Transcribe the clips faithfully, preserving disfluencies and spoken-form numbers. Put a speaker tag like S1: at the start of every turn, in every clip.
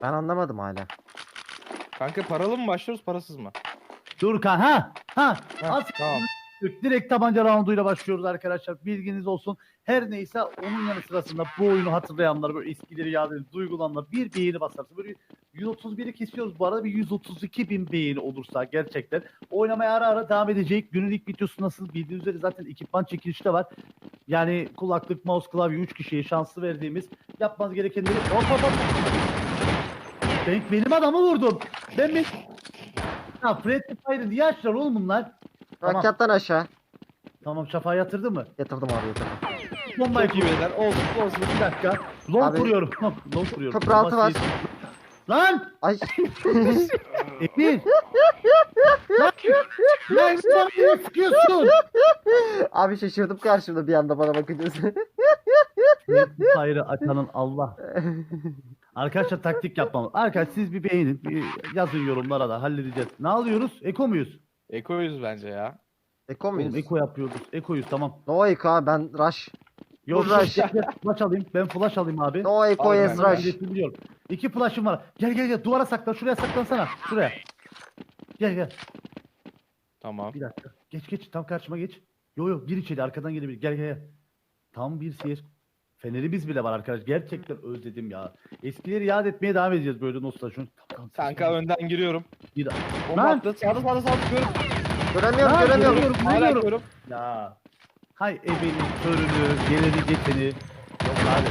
S1: Ben anlamadım hala.
S2: Kanka paralı mı başlıyoruz parasız mı?
S3: Dur kan ha ha.
S2: Heh,
S3: Az
S2: tamam.
S3: direkt tabanca rounduyla başlıyoruz arkadaşlar. Bilginiz olsun. Her neyse onun yanı sırasında bu oyunu hatırlayanlar, böyle eskileri yad edip duygulananlar bir beğeni basarsa böyle yüz otuz biri kesiyoruz bu arada, bir yüz otuz iki bin beğeni olursa gerçekten oynamaya ara ara devam edecek. Günün ilk videosu nasıl bildiğiniz üzere zaten ekipman çekilişi de var. Yani kulaklık, mouse, klavye üç kişiye şanslı verdiğimiz, yapmanız gerekenleri hop hop hop. Ben benim adamı vurdum. Ben mi? Ha, Friendly Fire'ı niye açtılar oğlum bunlar? Tamam.
S1: Rakyattan aşağı.
S3: Tamam, şafağı yatırdı mı?
S1: Yatırdım abi yatırdım.
S3: Bombayı
S2: Çok iyi
S3: kuruyorum.
S2: beyler. Olsun olsun.
S3: Bir dakika. Long
S1: Abi,
S3: kuruyorum. Long kuruyorum.
S1: köprü altı var.
S3: Lan!
S1: Ay.
S3: Emin! Lan! Lan bana sıkıyorsun!
S1: Abi şaşırdım karşımda bir anda bana bakınca.
S3: Friendly Fire'ı açanın Allah. Arkadaşlar taktik yapmam. Arkadaşlar siz bir beğenin. Bir yazın yorumlara da halledeceğiz. Ne alıyoruz? Eko muyuz?
S2: Ekoyuz bence ya.
S1: Eko
S3: Oğlum
S1: muyuz?
S3: eko yapıyoruz. Ekoyuz tamam.
S1: No Eko abi ben Rush.
S3: Yok
S1: Flash.
S3: yok, gel, gel, flash alayım. Ben flash alayım abi.
S1: No Eko
S2: Abi,
S1: yes
S2: ben-
S1: Rush.
S3: Biliyorum. İki flash'ım var. Gel gel gel, duvara saklan. Şuraya saklansana. Şuraya. Gel gel.
S2: Tamam.
S3: Bir dakika. Geç geç, tam karşıma geç. Yo yo, gir içeri, arkadan gelebilir. Gel gel gel. Tam bir seyir. Fenerimiz bile var arkadaş. Gerçekten özledim ya. Eskileri yad etmeye devam edeceğiz böyle nostalji.
S2: Kanka önden giriyorum.
S3: Bir
S2: Bomba
S3: Lan!
S2: attı. Sağda sağda sağda görüyorum.
S1: Göremiyorum
S3: Lan,
S1: göremiyorum.
S3: görüyorum,
S2: Hala
S3: görüyorum.
S2: görüyorum.
S3: Ya. Hay ebenin körünü, geleni geçeni. Yok abi.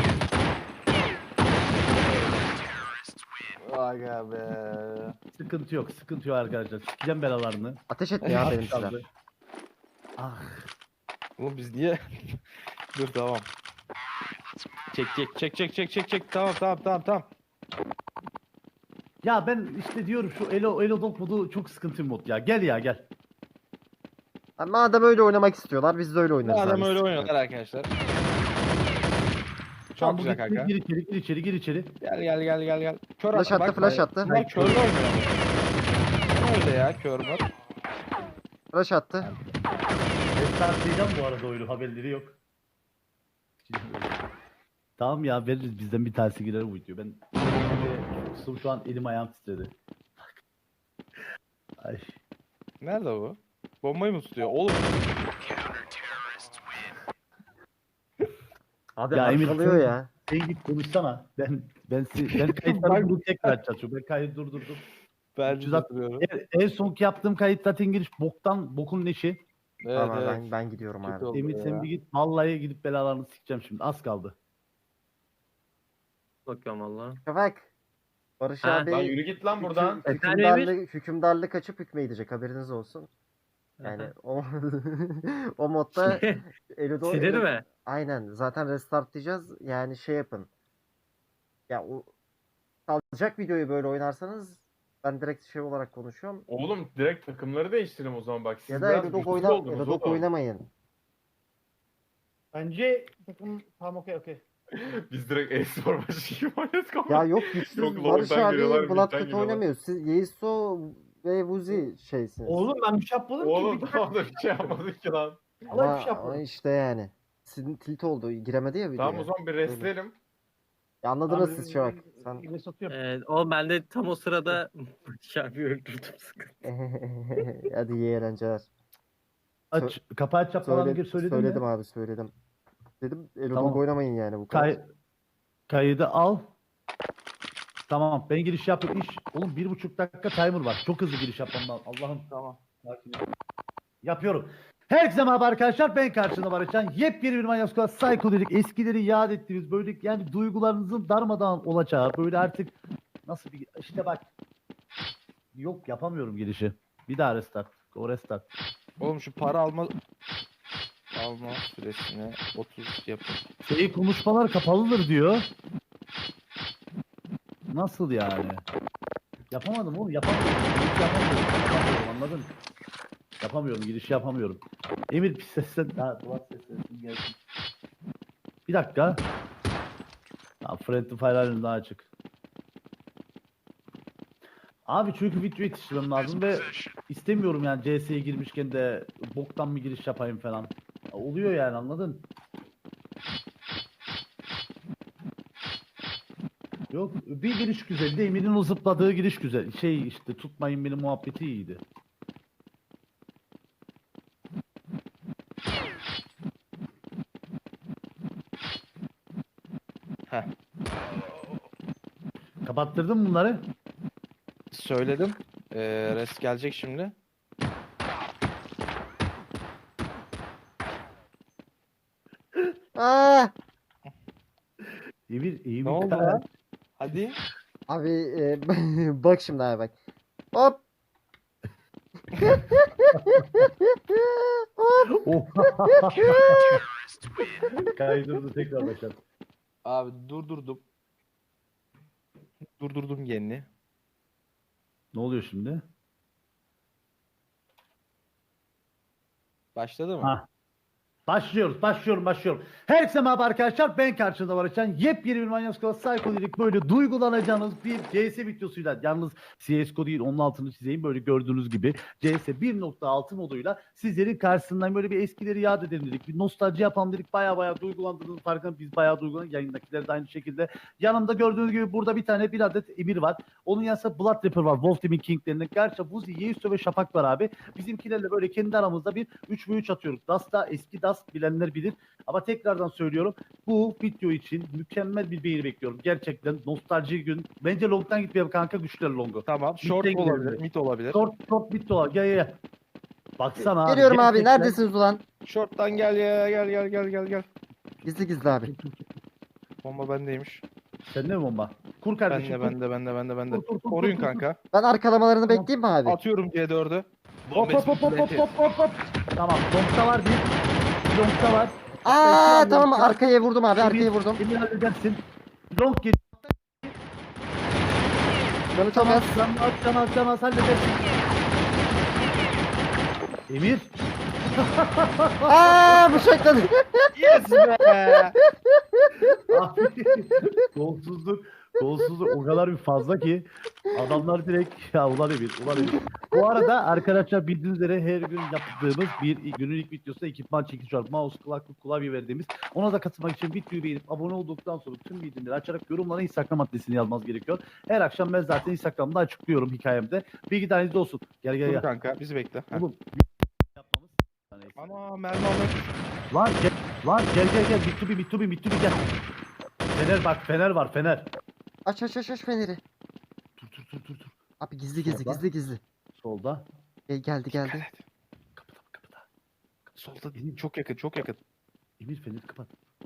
S2: Aga be.
S3: Sıkıntı yok, sıkıntı yok arkadaşlar. Sikeceğim belalarını.
S1: Ateş etmiyor abi benim silah.
S3: Kaldı. Ah.
S2: Oğlum biz niye? Dur tamam. Çek çek çek çek çek çek çek. Tamam tamam tamam tamam.
S3: Ya ben işte diyorum, şu Elo Elo Dog modu çok sıkıntı bir mod ya. Gel ya gel.
S1: Ha, madem öyle oynamak istiyorlar biz de öyle oynarız.
S2: Adam
S1: abi.
S2: öyle oynuyorlar arkadaşlar. Çok
S3: Tamam,
S2: güzel
S3: gir,
S2: kanka.
S3: Gir içeri, gir içeri, gir içeri.
S2: Gel gel gel gel gel. Kör
S1: Flash attı,
S2: bak,
S1: flash
S2: bak.
S1: attı.
S2: Bunlar körlü oynuyor. Ne öyle ya kör mü?
S1: Rush attı.
S3: Restartlayacağım bu arada oyunu, haberleri yok. Tamam ya, veririz, bizden bir tanesi girer bu video. Ben Kusum, şu an elim ayağım titredi. Ay.
S2: Nerede bu? Bombayı mı tutuyor? Oğlum
S1: Abi
S3: Ya Emir,
S1: arkalıyor
S3: sen-
S1: ya.
S3: Sen git konuşsana. Ben ben si- ben kayıtları bunu tekrar çalışıyorum. Ben kaydı durdurdum.
S2: ben
S3: üç yüz altmış
S2: tutuyorum.
S3: En, en sonki yaptığım kayıt zaten giriş boktan bokun neşi.
S2: Evet
S1: Tamam
S2: evet.
S1: ben ben gidiyorum
S2: Kötü
S1: abi.
S2: oldu
S3: Emir
S2: ya.
S3: sen bir git. Vallahi gidip belalarını sikeceğim şimdi. Az kaldı.
S4: Bakıyorum valla.
S1: Şafak. Barış
S4: Ha.
S1: abi
S5: Lan yürü git lan buradan.
S1: hüküm-
S4: Efendim
S1: hükümdarlık, hükümdarlık açıp hükmedecek haberiniz olsun. Yani o o modda Elodo
S4: Sinir mi?
S1: aynen zaten restartlayacağız. Yani şey yapın. Ya o kalacak videoyu böyle oynarsanız ben direkt şey olarak konuşuyorum.
S5: Oğlum direkt takımları değiştirelim o zaman bak. Siz
S1: Ya da
S5: biraz
S1: Elodog
S5: güçsüz
S1: oyna
S5: oldunuz
S1: Elodog
S5: oğlum.
S1: oynamayın.
S3: Bence takım tamam, okey okey.
S5: Biz direkt e-spor maçı gibi oynadık ama.
S1: Ya yok güçsüz
S5: Yok,
S1: Barış
S5: long'dan
S1: abi
S5: giriyorlar, mid'den
S1: Blood kötü
S5: giriyorlar.
S1: oynamıyor. Siz Yeiso ve Vuzi şeysiniz.
S3: Oğlum ben bir şey yapmadım
S5: Oğlum
S3: ki.
S5: tamam da bir şey yapmadık ki lan.
S3: Allah
S1: ama,
S3: bir şey
S1: ama
S3: yapmadım.
S1: işte yani. Sizin tilt oldu. Giremedi ya videoya.
S5: Tamam o zaman bir restleyelim.
S1: Ya anladınız siz Şafak. Sen
S3: Yine satıyorum.
S4: Ee, o ben de tam o sırada Şafi öldürdüm sıkıntı.
S1: hadi iyi eğlenceler.
S3: Aç, kapağı aç, falan
S1: Söyle,
S3: gir, söyledim
S1: söyledim
S3: mi?
S1: abi söyledim. Dedim Elodog
S3: Tamam.
S1: oynamayın yani bu kadar.
S3: Kay kaydı al. Tamam, ben giriş yapıyorum. İş. Oğlum bir buçuk dakika timer var. Çok hızlı giriş yapmam lazım. Allah'ım.
S2: Tamam.
S3: Sakin ol. Yapıyorum. Herkese merhaba arkadaşlar. Ben karşında Barışcan. Yepyeni bir Manyak Squad Psycho dedik. Eskileri yad ettiğimiz, böyle yani duygularınızın darmadağın olacağı, böyle artık nasıl bir, işte bak. Yok, yapamıyorum girişi. Bir daha restart. Go restart.
S2: Oğlum şu para alma alma süresini otuz yapın.
S3: Şey, konuşmalar kapalıdır diyor. Nasıl yani? Yapamadım oğlum, yapamıyorum. Giriş yapamıyorum. Yapamıyorum, anladın? Yapamıyorum, giriş yapamıyorum. Emir bir seslen, ha duvar seslensin gelsin. Bir dakika. Ha, Friendly Fire halen daha açık. Abi çünkü video yetiştirmem lazım ve istemiyorum yani C S'ye girmişken de boktan mı giriş yapayım falan. Oluyor yani, anladın? Yo Yok bir giriş güzeldi. Emir'in o zıpladığı giriş güzel. Şey işte tutmayın beni muhabbeti iyiydi.
S2: Heh.
S3: Kapattırdın mı bunları?
S2: Söyledim. Ee, res gelecek şimdi.
S1: Aa!
S3: Emir iyi
S2: Ne oldu lan? Hadi.
S1: Abi e, bak şimdi abi bak. Hop.
S3: Oh. Kaydırdı tekrar başlat.
S2: Abi durdurdum. Durdurdum yerini.
S3: Ne oluyor şimdi?
S2: Başladı mı?
S3: Ha. Başlıyoruz, başlıyorum, başlıyorum. Herkese merhaba arkadaşlar. Ben karşınızda Barışcan. Yepyeni bir Manyak Squad Psycho böyle duygulanacağınız bir C S videosuyla. Yalnız C S G O değil, onun altını çizeyim. Böyle gördüğünüz gibi C S bir nokta altı moduyla sizlerin karşısından böyle bir eskileri yad edelim dedik. Bir nostalji yapalım dedik. Baya baya duygulandığınız farkında biz baya duygulandık. Yayındakiler de aynı şekilde. Yanımda gördüğünüz gibi burada bir tane bir adet Emir var. Onun yanında Blood Rapper var. Wolf Team'in King'lerinden. Gerçi Vuzi, Yeisto ve Şafak var abi. Bizimkilerle böyle kendi aramızda bir üç ve üç atıyoruz. Dasta eski Dast bilenler bilir. Ama tekrardan söylüyorum. Bu video için mükemmel bir beğeni bekliyorum. Gerçekten nostalji gün. Bence long'dan gitmeyelim kanka. Güçler long'u.
S2: Tamam. Short
S3: Mid'den
S2: olabilir.
S3: gidelim.
S2: Mid olabilir.
S3: Short short bitti o. Gel gel gel. Baksana abi.
S1: Geliyorum abi.
S3: gerçekten-
S1: Neredesiniz ulan?
S2: Short'tan gel ya. Gel gel gel gel gel.
S1: Gizli gizli abi.
S2: Bomba bendeymiş.
S3: Sende mi bomba? Kur kardeşim.
S2: Bende
S3: kur.
S2: bende bende bende bende.
S3: Kur, kur, kur,
S2: Koruyun
S3: kur, kur.
S2: kanka.
S1: Ben arkalamalarını
S3: Tamam.
S1: bekleyeyim mi abi?
S2: Atıyorum C dördü.
S3: Hop hop hop hop hop hop hop hop. Tamam. Long'da var bir. Bir Long'da var.
S1: Aa
S3: Bekliyorum
S1: tamam
S3: long'da.
S1: arkaya vurdum abi.
S3: Emir-
S1: Arkaya vurdum.
S3: Emir halledersin. Long gel.
S1: Canı çok
S3: Tamam.
S1: az.
S3: Can az can az can az halledersin. Emir.
S1: Aa bıçakladı.
S2: Yes be.
S3: Abi, golsuzluk, golsuzluk o kadar bir fazla ki adamlar direkt ya ulan Emir, ulan Emir. Bu arada arkadaşlar bildiğiniz üzere her gün yaptığımız bir günün ilk videosunda ekipman çekişi var. Mouse, kulaklık, klavye verdiğimiz. Ona da katılmak için videoyu beğenip abone olduktan sonra tüm bildirimleri açarak yorumlara Instagram adresini yazmanız gerekiyor. Her akşam ben zaten Instagram'da açıklıyorum hikayemde. Bilgi dahilinizde olsun. Gel gel
S2: Dur
S3: gel.
S2: kanka bizi bekle. Heh.
S3: Oğlum yapmamız. Neyse.
S2: Ana mermi almak.
S3: Lan gel, lan gel gel gel. Mitsubi, Mitsubi, Mitsubi gel. Fener bak, fener var, fener.
S1: Aç aç aç aç feneri.
S3: Dur dur dur dur dur.
S1: Abi gizli gizli
S3: Solda.
S1: gizli gizli.
S3: Solda.
S1: E, geldi geldi.
S2: Dikkat et.
S3: Kapıda kapıda.
S2: Solda değil. Çok yakın çok yakın.
S3: Emir feneri kapat.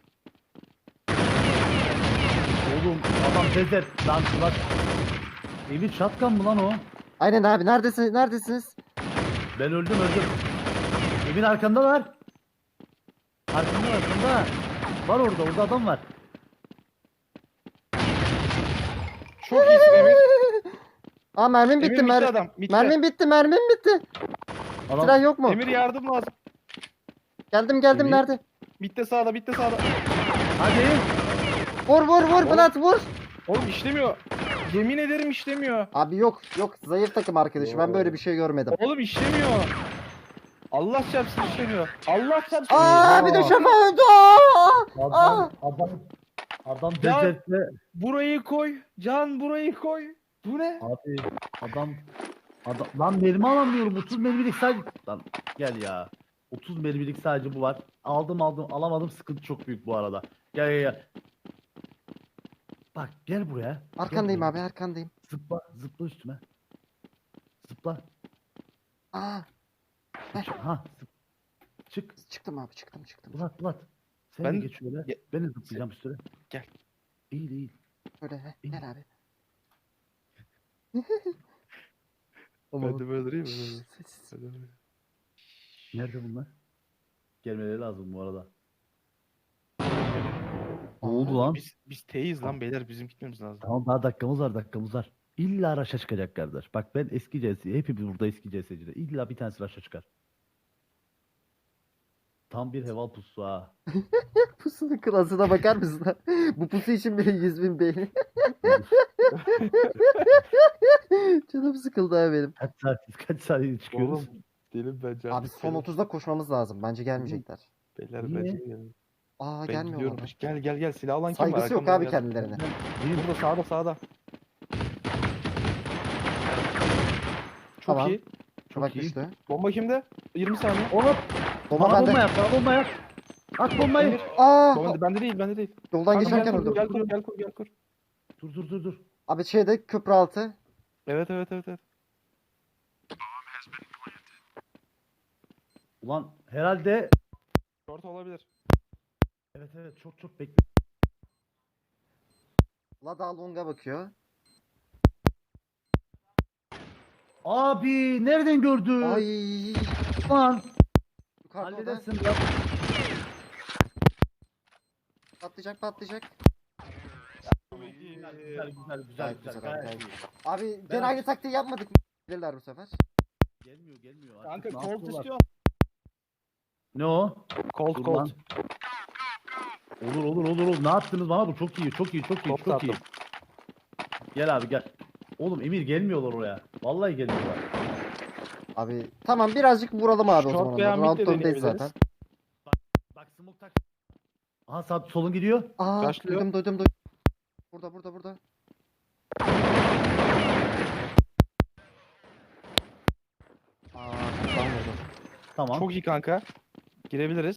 S3: Oğlum adam bezer. Lan bak. Emir şatkan mı lan o?
S1: Aynen abi neredesiniz? Neredesiniz?
S3: Ben öldüm öldüm. Emir arkanda var. Arkanda arkanda. Var orada orada adam var.
S2: Çok iyisin Emir.
S1: Aa mermim
S2: Emir
S1: bitti.
S2: bitti
S1: Mer
S2: adam. Bitti.
S1: mermim bitti. Mermim bitti.
S3: Adam,
S1: Silah yok mu?
S2: Emir yardım lazım.
S1: Geldim geldim
S3: Emir.
S1: nerede?
S2: Bitti sağda bitti sağda.
S3: hadi.
S1: Vur vur vur
S2: Oğlum.
S1: Blat vur.
S2: Oğlum işlemiyor. Yemin ederim işlemiyor.
S1: Abi yok yok zayıf takım arkadaşı. Ben böyle bir şey görmedim.
S2: Oğlum işlemiyor. Allah çarpsın işlemiyor. Allah çarpsın.
S1: Aa bir de
S3: Aa.
S1: şafa öldü. Aa!
S3: Adam adam adam
S2: Ya-
S3: bezerse
S2: Burayı koy. Can burayı koy. Bu ne?
S3: abi adam adam lan mermi alamıyorum. otuz mermilik sadece lan gel ya. otuz mermilik sadece bu var. Aldım aldım alamadım. Sıkıntı çok büyük bu arada. Gel gel gel. Bak gel buraya.
S1: Arkandayım
S3: Gel
S1: abi
S3: buraya.
S1: arkandayım.
S3: Zıpla zıpla üstüme. Zıpla.
S1: Aa
S3: Çık- Ha zıp. Çık.
S1: çıktım abi çıktım çıktım.
S3: Bulat Bulat. Sen
S2: Ben-
S3: de geç şöyle.
S2: Ge-
S3: Ben de zıplayacağım üstüne.
S2: Gel.
S3: İyi değil.
S1: Şöyle he,
S3: İyi.
S1: gel abi.
S2: Ben de böyle durayım mı?
S1: Sessiz.
S2: Ben de böyle.
S3: Nerede bunlar? Gelmeleri lazım bu arada. Ne
S1: Aa,
S3: oldu lan?
S2: Biz, biz T'yiz lan beyler bizim gitmemiz lazım.
S3: Tamam daha dakikamız var dakikamız var. İlla raşa çıkacak kardeş. Bak ben eski C S, hepimiz burada eski C S'ciler. İlla bir tanesi raşa çıkar. Tam bir heval pusu ha.
S1: Pusunun klasına bakar mısın? lan? Bu pusu için bile yüz bin beğeni. Canım sıkıldı abi benim.
S3: Kaç saat, kaç saat çıkıyoruz?
S2: Oğlum delim bence.
S1: Abi son otuzda koşmamız lazım. Bence gelmeyecekler.
S2: Beyler
S3: Niye?
S2: bence gelin.
S1: Aa
S2: Ben
S1: gelmiyor
S2: gidiyorum.
S1: bana.
S2: Gel gel gel silah alan kim var?
S1: Saygısı yok
S2: Arkamdan
S1: abi
S2: gel.
S1: kendilerine.
S2: Burada sağda sağda. Çok
S1: Tamam.
S2: iyi.
S3: Çok
S1: Bak
S3: iyi.
S1: düştü.
S2: Bomba kimde? yirmi saniye.
S3: Oğlum
S1: Bomba
S3: bana
S1: bende.
S3: bomba yap, bana bomba yap. At bombayı.
S1: Aa!
S2: Bomba bende değil, bende değil.
S1: Yoldan
S2: Kanka,
S1: geçerken
S2: gel kur,
S1: öldüm.
S2: Gel kur, gel kur, gel kur.
S3: Dur dur dur dur.
S1: Abi şeyde köprü altı.
S2: Evet evet evet evet.
S3: Ulan herhalde
S2: Short olabilir.
S3: evet evet çok çok bekle.
S1: Lada Long'a bakıyor.
S3: Abi nereden gördü?
S1: Ay!
S3: Lan
S1: Yukarıda o da.
S3: halledersin ya.
S1: Patlayacak patlayacak.
S3: Güzel güzel güzel güzel.
S1: Gayet
S3: güzel,
S1: güzel abi,
S3: gayet
S1: gayet
S3: iyi.
S1: Abi
S3: Ben-
S1: gene aynı taktiği yapmadık mı? Gelirler bu sefer.
S3: Gelmiyor gelmiyor.
S2: Kanka
S3: Artık ne
S2: Colt
S3: yapıyorlar?
S2: istiyor.
S3: Ne o?
S2: Colt
S3: Dur
S2: Colt.
S3: lan. Olur olur olur olur. Ne yaptınız bana bu? Çok iyi çok iyi çok iyi
S2: Colt
S3: çok iyi.
S2: attım.
S3: Gel abi gel. Oğlum Emir gelmiyorlar oraya. Vallahi gelmiyorlar.
S1: Abi tamam birazcık vuralım abi o
S2: Short
S1: zaman.
S2: veya
S1: onları.
S2: mid
S1: Round
S2: de
S1: döndüğündeyiz
S2: deneyebiliriz.
S1: zaten.
S3: Bak smoke tak. Aha sağ solun gidiyor.
S1: Aa
S2: Başlıyor.
S1: duydum duydum duydum. Burada burada burada. Aa, tam vurdu.
S3: Tamam.
S2: Çok iyi kanka. Girebiliriz.